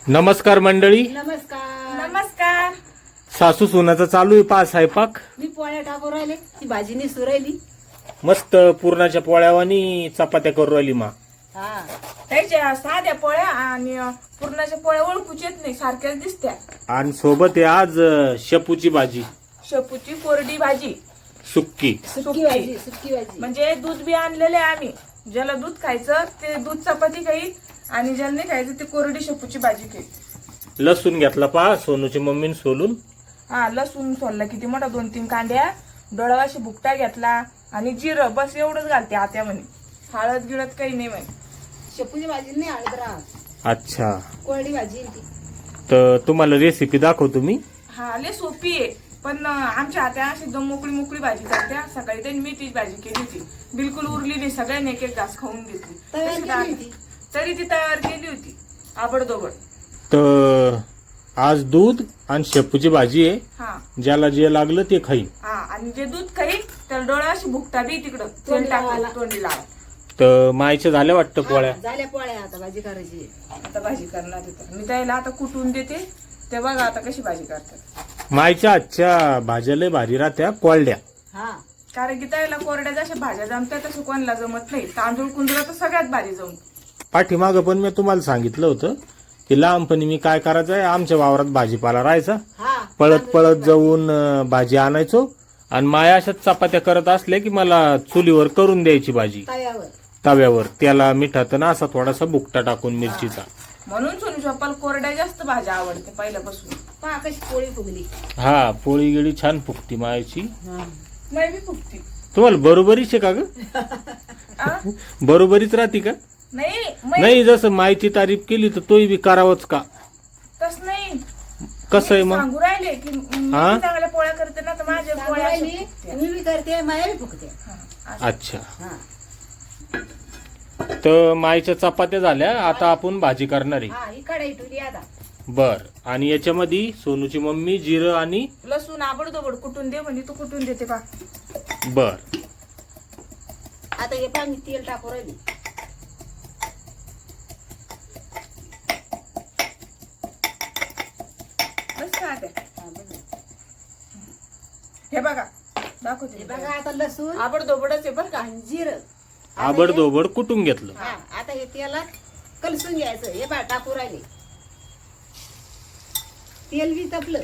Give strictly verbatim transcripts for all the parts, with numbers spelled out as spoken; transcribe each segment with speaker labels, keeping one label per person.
Speaker 1: नमस्कार मंडळी.
Speaker 2: नमस्कार.
Speaker 3: नमस्कार.
Speaker 1: सासू सुनाचा चालू आहे पा स्वयंपाक.
Speaker 2: मी पोळ्या टाकून राहिले, ती भाजी निसू राहिली.
Speaker 1: मस्त पुरणाच्या पोळ्यावानी चपात्या करू राहिली मा.
Speaker 2: हा
Speaker 3: त्याच्या साध्या पोळ्या आणि पुरणाच्या पोळ्या ओळखूच येत नाही, सारख्याच दिसत्या.
Speaker 1: आणि सोबत आहे आज अ, शेपूची भाजी,
Speaker 3: शेपूची कोरडी भाजी,
Speaker 1: सुक्की.
Speaker 2: सुकी भाजी, सुकी भाजी.
Speaker 3: म्हणजे दूध बी आणलेले आम्ही. ज्याला दूध खायचं ते दूध चपाती खाईल आणि ज्याला नाही खायचं ते कोरडी शेपूची भाजी खाईल.
Speaker 1: लसूण घेतला पा सोनूची मम्मीने सोलून.
Speaker 3: हा लसूण सोलला किती मोठा, दोन तीन कांड्या, डोळावाशी भुकटा घेतला आणि जिरं, बस एवढंच घालते आत्या म्हणे. हळद गिळत काही नाही म्हणे.
Speaker 2: शेपूची भाजी नाही हळद राहत,
Speaker 1: अच्छा,
Speaker 2: कोरडी भाजी आहे ती.
Speaker 1: तर तुम्हाला रेसिपी दाखवतो मी.
Speaker 3: हा लय सोपी आहे, पण आमच्या आत्या अशी एकदम मोकळी मोकळी भाजी करत्या. सकाळी त्यांनी मी तीच भाजी केली होती, बिलकुल उरली नाही, सगळ्यांनी एक एक घास खाऊन घेतली.
Speaker 2: तयार
Speaker 3: तशी
Speaker 2: केली
Speaker 3: डाळ-
Speaker 2: होती.
Speaker 3: तरी ती तयार केली होती आबडदोबड.
Speaker 1: तर आज दूध आणि शेपूची भाजी आहे.
Speaker 3: हा
Speaker 1: ज्याला जे लागलं ते खाईल.
Speaker 3: हा आणि जे दूध खाईल त्याला डोळा अशी भुकटा बी तिकडं तेल
Speaker 2: तोंडी
Speaker 3: टाकून
Speaker 2: लावायला.
Speaker 3: तोंडी लावा.
Speaker 1: तर मायच्या झाल्या वाटतं पोळ्या.
Speaker 2: हा, झाल्या पोळ्या, आता भाजी करायची आहे.
Speaker 3: आता भाजी करणार तिथं मी त्याला आता कुटून देते, ते बघा आता कशी भाजी करतात.
Speaker 1: मायच्या आजच्या भाज्या लय भारी राहत्या कोळड्या.
Speaker 2: हा
Speaker 3: कारण की त्याला कोरड्या जशा भाज्या जमतात तसं कोणाला जमत नाही. तांदूळ कुंदूळ तर सगळ्यात भारी जमतो.
Speaker 1: पाठीमागं पण मी तुम्हाला सांगितलं होतं की लहानपणी मी काय करायचंय, आमच्या वावरात भाजीपाला राहायचा,
Speaker 2: हा
Speaker 1: पळत पळत जाऊन अं, भाजी आणायचो आणि माया अशाच चपात्या करत असल्या की मला चुलीवर करून द्यायची भाजी
Speaker 2: तव्यावर.
Speaker 1: तव्यावर. त्याला मिठात ना असा थोडासा बुकटा टाकून मिरचीचा.
Speaker 3: म्हणून सोनू चप्पाला कोरड्या जास्त भाज्या आवडते पहिल्यापासून.
Speaker 2: पहा कशी पोळी फुगली.
Speaker 1: हा पोळी गिळी छान फुगती मायाची.
Speaker 2: हा.
Speaker 3: नाही बी फुगती.
Speaker 1: तुम्हाला बरोबरीच आहे का ग?
Speaker 3: आ?
Speaker 1: बरोबरीच राहते का?
Speaker 3: नाही मै-
Speaker 1: नाही, जसं मायची तारीफ केली तर तोही बी करावंच का?
Speaker 3: तस नाही.
Speaker 1: कसं आहे
Speaker 3: मी
Speaker 1: मग?
Speaker 3: सांगू राहिले की मी
Speaker 1: हा?
Speaker 3: चांगल्या पोळ्या करते ना, तर माझ्या
Speaker 2: सांगू
Speaker 3: पोळ्या अशा
Speaker 2: राहिली,
Speaker 3: फुगत्या.
Speaker 2: मी बी करते, माया बी फुगते.
Speaker 3: हा, अशा.
Speaker 1: अच्छा,
Speaker 2: हा
Speaker 1: तर मायच्या चपात्या झाल्या. आता आपण भाजी करणार आहे.
Speaker 2: हा ही कढई ठेवली आता.
Speaker 1: बर. आणि याच्यामध्ये सोनूची मम्मी जिरं आणि
Speaker 3: लसूण आबडदोबड कुटून दे म्हणजे तू कुटून देते पा.
Speaker 1: बर.
Speaker 2: आता हे पहा मी तेल टाकू राहिली.
Speaker 3: बस का आता?
Speaker 2: हा, बघा.
Speaker 3: हे बघा
Speaker 2: हे
Speaker 3: दाखवते
Speaker 2: बघा आता लसूण
Speaker 3: आबडदोबडच आहे बरं का.
Speaker 2: आणि जिरं.
Speaker 1: आबडधोबड कुटून घेतलं.
Speaker 2: हा आता हे तेलात कलसून घ्यायचं. हे बा टाकू राहिले. तेल बी तपलं.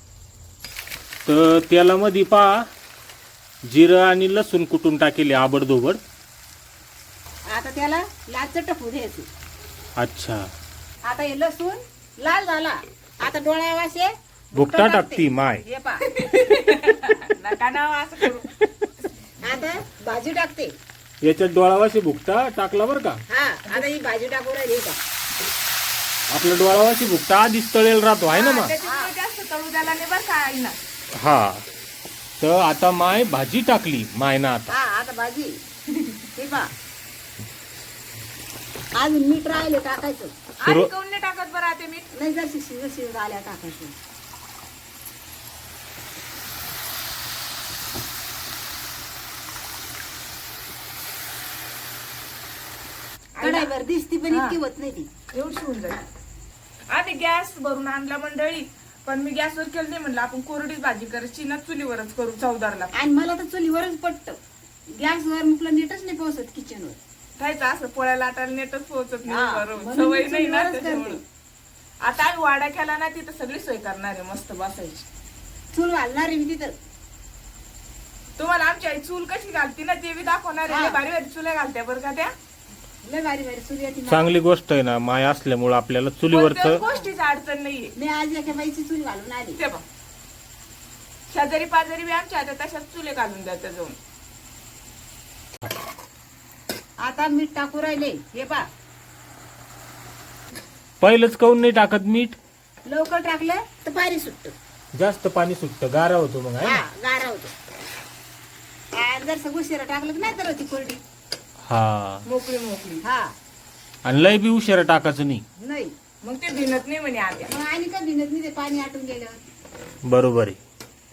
Speaker 1: तर तेलामध्ये पा जिरं आणि लसूण कुटून टाकेले आबडधोबड.
Speaker 2: आता त्याला लाल चटकू द्यायचं.
Speaker 1: अच्छा,
Speaker 2: आता हे लसूण लाल झाला. आता डोळ्या वाशे
Speaker 1: भुकटा टाकती माय.
Speaker 2: हे पा
Speaker 3: नका ना असं करू.
Speaker 2: आता भाजी टाकते.
Speaker 1: याच्यात डोळावाशी भुकटा टाकला बर का.
Speaker 2: हा आता ही भाजी टाकू राहिली. हे पहा.
Speaker 1: आपला डोळावाशी भुकटा आधीच तळेल राहतो आहे ना
Speaker 3: हा,
Speaker 1: मा.
Speaker 3: त्याच्यामुळे जास्त तळू द्यायला नाही बरं का आईना.
Speaker 1: हा, तर आता माय भाजी टाकली माय ना. आता
Speaker 2: हा आता भाजी. हे पहा अजून मीठ राहिले टाकायचं.
Speaker 3: आणि काऊन नाही टाकत बरं आता मीठ?
Speaker 2: नाही जर शिज शिज आल्या टाकायचं. कढाईवर दिसती पण
Speaker 3: हा.
Speaker 2: इतकी होत नाही ती.
Speaker 3: एवढी होऊन जाईल. आम्ही गॅस भरून आणला मंडळी, पण मी गॅसवर केलं नाही, म्हणलं आपण कोरडीच भाजी करायची ना, चुलीवरच करू चौदारला.
Speaker 2: आणि मला तर चुलीवरच पटत. गॅसवर म्हटलं नीटच नाही पोहोचत किचनवर.
Speaker 3: खायचं असं पोळ्या लाटायला नेटच पोहोचत
Speaker 2: हा,
Speaker 3: नाही बरोबर.
Speaker 2: म्हणून
Speaker 3: सवय
Speaker 2: मी
Speaker 3: नाही ना
Speaker 2: चुलीवरच
Speaker 3: त्याच्यामुळे.
Speaker 2: करते.
Speaker 3: आता आम्ही वाडा केला ना, तिथं सगळी सोय करणार आहे मस्त बसायची.
Speaker 2: चूल घालणार आहे मी तिथं.
Speaker 3: तुम्हाला आमची आई चूल कशी घालती ना ते बी दाखवणार आहे.
Speaker 2: हा.
Speaker 3: लय भारी भारी चुल्या घालत्या बरं का त्या.
Speaker 2: लय भारी भारी चूल येते मला.
Speaker 1: चांगली गोष्ट आहे ना, माय असल्यामुळं आपल्याला
Speaker 3: कोणत्याच
Speaker 1: चुलीवरच.
Speaker 3: गोष्टीची अडचण नाहीये.
Speaker 2: मी आज एका बाईची चूल घालून आली.
Speaker 3: ते बघ, शेजारी पाजारी बी आमच्या आता तशाच चुले घालून द्या जाऊन.
Speaker 2: आता मीठ टाकू राहिले. हे पा
Speaker 1: पहिलंच काऊन नाही टाकत मीठ?
Speaker 2: लवकर टाकलं तर पाणी सुटत.
Speaker 1: जास्त पाणी सुटतं, गारा होतो मग आहे
Speaker 2: हा
Speaker 1: ना?
Speaker 2: गारा होतो. आणि जर सगळं शिरा टाकलं की नाही तर होती कोरडी.
Speaker 1: हा,
Speaker 3: मोकळी मोकळी.
Speaker 2: हा
Speaker 1: आणि लय बी उशिरा टाकायचं नाही.
Speaker 2: नाही
Speaker 3: मग ते भिनत नाही म्हणे आत्या.
Speaker 2: मग आणि का भिनत नाही ते पाणी आटून गेल्यावर.
Speaker 1: बरोबर आहे.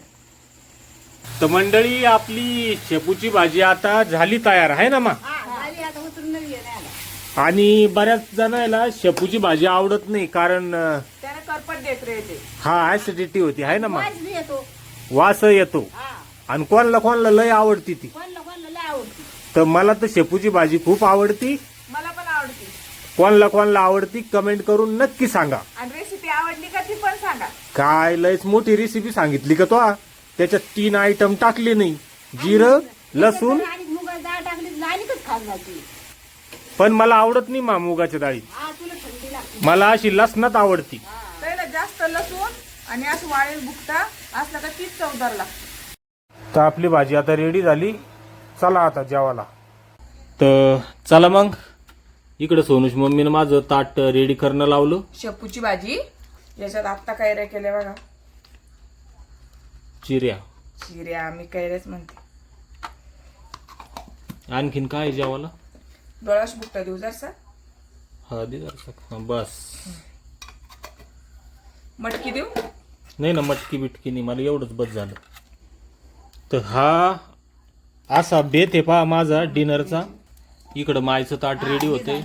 Speaker 1: तर मंडळी आपली शेपूची भाजी आता झाली तयार आहे ना मा.
Speaker 2: हा झाली आता उतरून नवी आला.
Speaker 1: आणि बऱ्याच जणांना शेपूची भाजी आवडत नाही कारण अं,
Speaker 3: त्याने करपट देत राहते.
Speaker 1: हा ऍसिडिटी होती आहे ना मग
Speaker 2: वास बी येतो.
Speaker 1: वास येतो
Speaker 2: हा
Speaker 1: आणि कोणाला कोणाला लय आवडती ती.
Speaker 2: कोणला कोणला लय आवडते.
Speaker 1: तर मला तर शेपूची भाजी खूप आवडती.
Speaker 3: मला पण आवडते.
Speaker 1: कोणाला कोणाला आवडती कमेंट करून नक्की सांगा.
Speaker 3: आणि रेसिपी आवडली का ती पण सांगा.
Speaker 1: काय लयच मोठी रेसिपी सांगितली का तो त्याच्यात तीन आयटम टाकले नाही. जिरं लसूण
Speaker 2: आणि मुगाची डाळ टाकली तर आणखीच खात जाते.
Speaker 1: पण मला आवडत नाही मा मुगाच्या डाळी.
Speaker 2: हा तुला थंडी लागते.
Speaker 1: मला अशी लसणात आवडती.
Speaker 3: त्याला जास्त लसूण आणि असं वाळेल बुकटा असला का तीच चवदार लागते.
Speaker 1: तर आपली भाजी आता रेडी झाली. चला आता जेवायला. तर चला मग इकडे सोनूश मम्मीनं माझं ताट रेडी करणं लावलं.
Speaker 3: शेपूची भाजी याच्यात आत्ता कैऱ्या केल्या बघा.
Speaker 1: चिऱ्या
Speaker 3: चिऱ्या आम्ही कैऱ्याच म्हणते.
Speaker 1: आणखीन काय जेवायला
Speaker 3: डोळाश बुकटा देऊ जरसा.
Speaker 1: हळदी जरासं. बस
Speaker 3: मटकी देऊ.
Speaker 1: नाही ना मटकी बिटकी नाही मला एवढंच बस झालं. तर हा असा बेत आहे पहा माझा डिनरचा. इकडं मायचं ताट रेडी होतंय.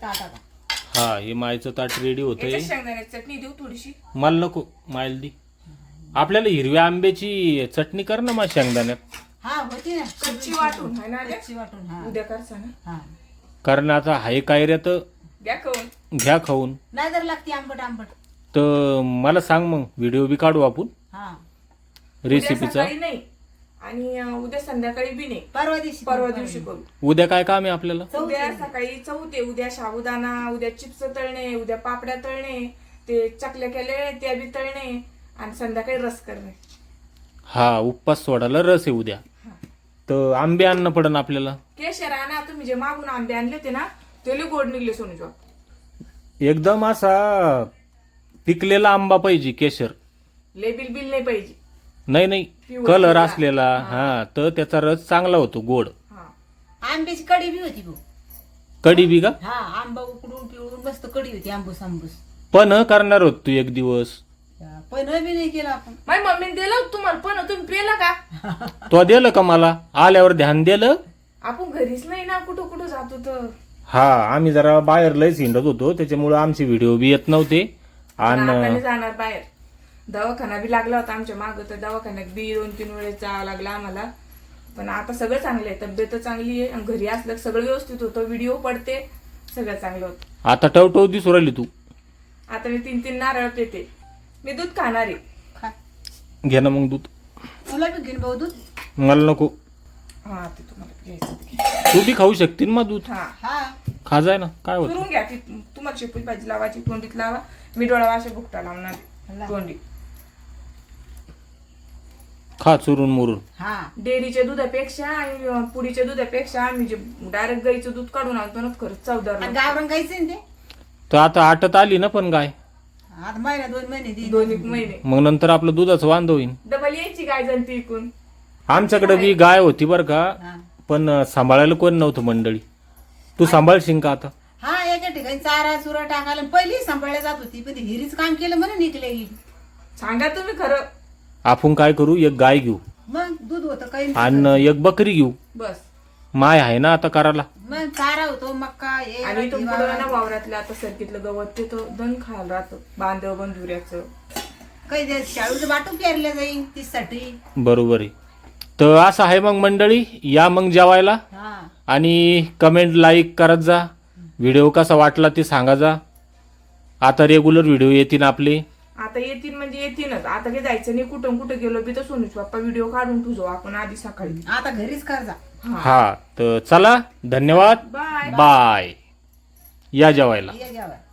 Speaker 1: हा हे मायचं ताट रेडी होतंय.
Speaker 3: याच्यात शेंगदाण्याची चटणी देऊ थोडीशी.
Speaker 1: मला नको मायल दी. आपल्याला हिरव्या आंब्याची चटणी कर ना मा शेंगदाण्यात.
Speaker 2: हा होती ना
Speaker 3: कच्ची वाटून है ना आल्या?
Speaker 2: कच्ची वाटून. हा
Speaker 3: उद्या करसा ना.
Speaker 2: हा
Speaker 1: कारण आता हाय कायऱ्या तर
Speaker 3: द्या खाऊन.
Speaker 1: घ्या खाऊन.
Speaker 2: नाही जर लागते आंबट आंबट.
Speaker 1: तर मला सांग मग व्हिडिओ बी काढू आपण
Speaker 2: हा
Speaker 3: उद्या
Speaker 1: रेसिपीचा.
Speaker 3: सकाळी नाही आणि अं, उद्या संध्याकाळी बी नाही.
Speaker 2: परवा दिवशी
Speaker 3: परवा दिवशी करू.
Speaker 1: उद्या काय काम आहे आपल्याला.
Speaker 3: उद्या सकाळी चौथे. उद्या साबुदाणा, उद्या चिप्स तळणे, उद्या पापड्या तळणे, ते चकल्या केले त्या बी तळणे आणि संध्याकाळी रस करणे.
Speaker 1: हा उपवास सोडायला रस आहे उद्या. तर आंबे आणणं पडन आपल्याला.
Speaker 3: केशर आणा. तुम्ही जे मागून आंबे आणले होते ना ते लय गोड निघले सोनूच्या.
Speaker 1: एकदम असा पिकलेला आंबा पाहिजे केशर.
Speaker 3: लय बिल बिल नाही पाहिजे.
Speaker 1: नाही नाही
Speaker 3: पिवळा
Speaker 1: कलर
Speaker 3: पिवळा.
Speaker 1: असलेला. हा तर त्याचा रस चांगला होतो गोड.
Speaker 3: हा
Speaker 2: आंब्याची कढी बी होती भाऊ.
Speaker 1: कढी बी का
Speaker 2: हा आंबा उकडून पिवळून मस्त कढी होती. आंबूस आंबूस.
Speaker 1: पण करणार होत तू एक दिवस.
Speaker 2: पण बी नाही केलं आपण.
Speaker 3: माझ्या मम्मीने दिलं होतं तुम्हाला पण तुम्ही पेलं का.
Speaker 1: तो दिलं का मला आल्यावर ध्यान दिलं.
Speaker 3: आपण घरीच नाही ना कुठं कुठं जातो तर.
Speaker 1: हा आम्ही जरा बाहेर लयच हिंडत होतो त्याच्यामुळे आमचे व्हिडिओ बी येत नव्हते.
Speaker 3: नाकाने
Speaker 1: आणि
Speaker 3: जाणार बाहेर. दवाखाना बी लागला होता आमच्या माग तर दवाखान्यात बी दोन तीन वेळेस जावं लागला आम्हाला. पण आता सगळं चांगलं आहे. तब्येत चांगली आहे आणि घरी असलं सगळं व्यवस्थित होतं. व्हिडिओ पडते सगळं चांगलं होतं.
Speaker 1: आता टवटव दिसू राहिली तू.
Speaker 3: आता मी तीन तीन नारळ पेते. मी दूध खाणार आहे.
Speaker 2: खा.
Speaker 1: घे ना मग दूध.
Speaker 2: तुला बी घेऊन भाऊ दूध.
Speaker 1: मला नको.
Speaker 3: हा ते तुम्हाला घ्यायचं ते घ्या.
Speaker 1: तू बी खाऊ शकतील मग दूध.
Speaker 3: हा
Speaker 2: हा
Speaker 1: खा जाय ना काय होत.
Speaker 3: करून घ्या. ती तुम्हाला शेपूची भाजी लावायची तोंडीत लावा. मी डोळा वाशे बुकटा लावणार तोंडी.
Speaker 1: खा चुरून मुरून.
Speaker 2: हा
Speaker 3: डेअरीच्या दुधापेक्षा आणि अं, पुडीच्या दुधापेक्षा आम्ही जे डायरेक्ट गाईचं दूध काढून आणतो ना खरंच चवदार लागतं.
Speaker 2: गावरण गायचं ते.
Speaker 1: तर आता आटत आली ना पण गाय.
Speaker 2: आता महिना दोन महिने देईन.
Speaker 3: दोन एक महिने
Speaker 1: मग नंतर आपलं दुधाचं वांद होईन.
Speaker 3: डबल यायची गाय जण ती इकून.
Speaker 1: आमच्याकडे बी गाय होती बरं का.
Speaker 2: हा.
Speaker 1: पण अं, सांभाळायला कोण नव्हतं मंडळी. तू सांभाळशील का आता.
Speaker 2: हा एका ठिकाणी चारा चुरा टाकायला पहिली सांभाळल्या जात होती पण ती हिरीच काम केलं म्हणून निघले ही.
Speaker 3: सांगा तुम्ही खरं.
Speaker 1: आपण काय करू एक गाय घेऊ
Speaker 2: मग दूध होतं काही
Speaker 1: आणि एक बकरी घेऊ.
Speaker 3: बस.
Speaker 1: माय आहे ना आता करायला.
Speaker 2: मग चारा होतो मक्का हे
Speaker 3: आणि इथून
Speaker 2: हिरवा.
Speaker 3: पुढं ना वावरातलं आता सरकीतलं गवत ते तो दण खायला राहतं. बांधव बंधुऱ्याचं.
Speaker 2: काही ते शाळूचं बाटू पेरल्या जाईल तीसाठी.
Speaker 1: बरोबर आहे. तर असं आहे मग मंडळी. या मग जेवायला
Speaker 2: हा
Speaker 1: आणि कमेंट लाईक करत जा. व्हिडिओ कसा वाटला ते सांगा जा. आता रेग्युलर व्हिडिओ येतील आपले.
Speaker 3: आता येतील म्हणजे येतीलच. आता काही जायचं नाही कुठं कुठं गेलो बी तर सोनूच बाप्पा व्हिडिओ काढून तुझो आपण आधी सकाळी.
Speaker 2: आता घरीच कर जा.
Speaker 1: हा तर चला धन्यवाद.
Speaker 3: बाय.
Speaker 1: बाय. या जेवायला.
Speaker 2: ये जेवा.